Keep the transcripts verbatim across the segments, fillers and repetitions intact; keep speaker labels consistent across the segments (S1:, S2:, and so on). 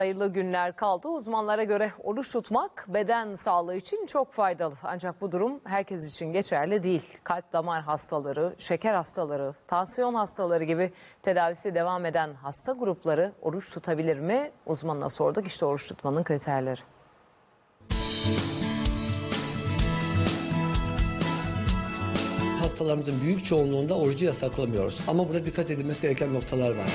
S1: Sayılı günler kaldı. Uzmanlara göre oruç tutmak beden sağlığı için çok faydalı. Ancak bu durum herkes için geçerli değil. Kalp damar hastaları, şeker hastaları, tansiyon hastaları gibi tedavisi devam eden hasta grupları oruç tutabilir mi? Uzmanına sorduk. İşte oruç tutmanın kriterleri.
S2: Hastalarımızın büyük çoğunluğunda orucu yasaklamıyoruz. Ama burada dikkat edilmesi gereken noktalar var.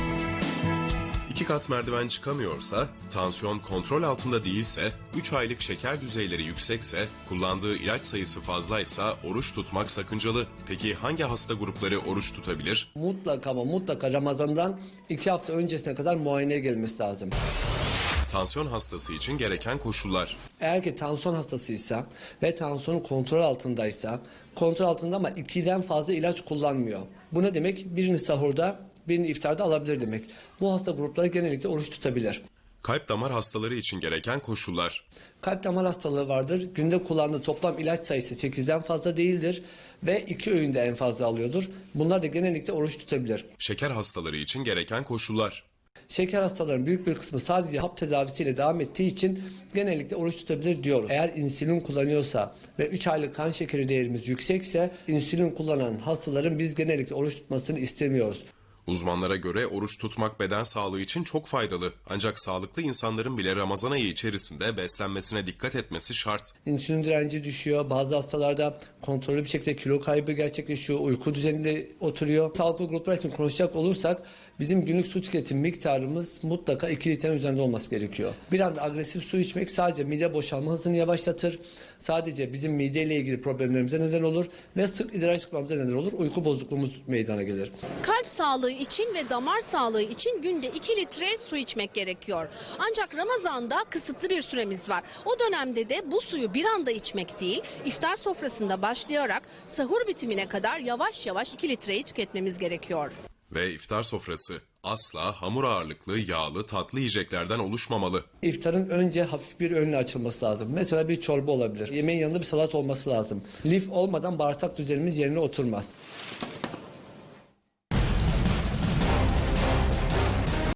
S3: İki kat merdiven çıkamıyorsa, tansiyon kontrol altında değilse, üç aylık şeker düzeyleri yüksekse, kullandığı ilaç sayısı fazlaysa oruç tutmak sakıncalı. Peki hangi hasta grupları oruç tutabilir?
S2: Mutlaka ama mutlaka Ramazan'dan iki hafta öncesine kadar muayeneye gelmesi lazım.
S3: Tansiyon hastası için gereken koşullar.
S2: Eğer ki tansiyon hastasıysa ve tansiyonu kontrol altındaysa, kontrol altında ama ikiden fazla ilaç kullanmıyor. Bu ne demek? Birini sahurda, birini iftarda alabilir demek. Bu hasta grupları genellikle oruç tutabilir.
S3: Kalp damar hastaları için gereken koşullar.
S2: Kalp damar hastalığı vardır. Günde kullandığı toplam ilaç sayısı sekizden fazla değildir ve iki öğünde en fazla alıyordur. Bunlar da genellikle oruç tutabilir.
S3: Şeker hastaları için gereken koşullar.
S2: Şeker hastalarının büyük bir kısmı sadece hap tedavisiyle devam ettiği için genellikle oruç tutabilir diyoruz. Eğer insülin kullanıyorsa ve üç aylık kan şekeri değerimiz yüksekse insülin kullanan hastaların biz genellikle oruç tutmasını istemiyoruz.
S3: Uzmanlara göre oruç tutmak beden sağlığı için çok faydalı. Ancak sağlıklı insanların bile Ramazan ayı içerisinde beslenmesine dikkat etmesi şart.
S2: İnsülin direnci düşüyor. Bazı hastalarda kontrollü bir şekilde kilo kaybı gerçekleşiyor. Uyku düzeninde oturuyor. Sağlıklı gruplar için konuşacak olursak bizim günlük su tüketim miktarımız mutlaka iki litrenin üzerinde olması gerekiyor. Bir anda agresif su içmek sadece mide boşalma hızını yavaşlatır. Sadece bizim mideyle ilgili problemlerimize neden olur ve sık idrar çıkmamıza neden olur. Uyku bozukluğumuz meydana gelir.
S4: Kalp sağlığı için ve damar sağlığı için günde iki litre su içmek gerekiyor. Ancak Ramazan'da kısıtlı bir süremiz var. O dönemde de bu suyu bir anda içmek değil, iftar sofrasında başlayarak sahur bitimine kadar yavaş yavaş iki litreyi tüketmemiz gerekiyor.
S3: Ve iftar sofrası asla hamur ağırlıklı, yağlı, tatlı yiyeceklerden oluşmamalı.
S2: İftarın önce hafif bir öğünle açılması lazım. Mesela bir çorba olabilir. Yemeğin yanında bir salat olması lazım. Lif olmadan bağırsak düzenimiz yerine oturmaz.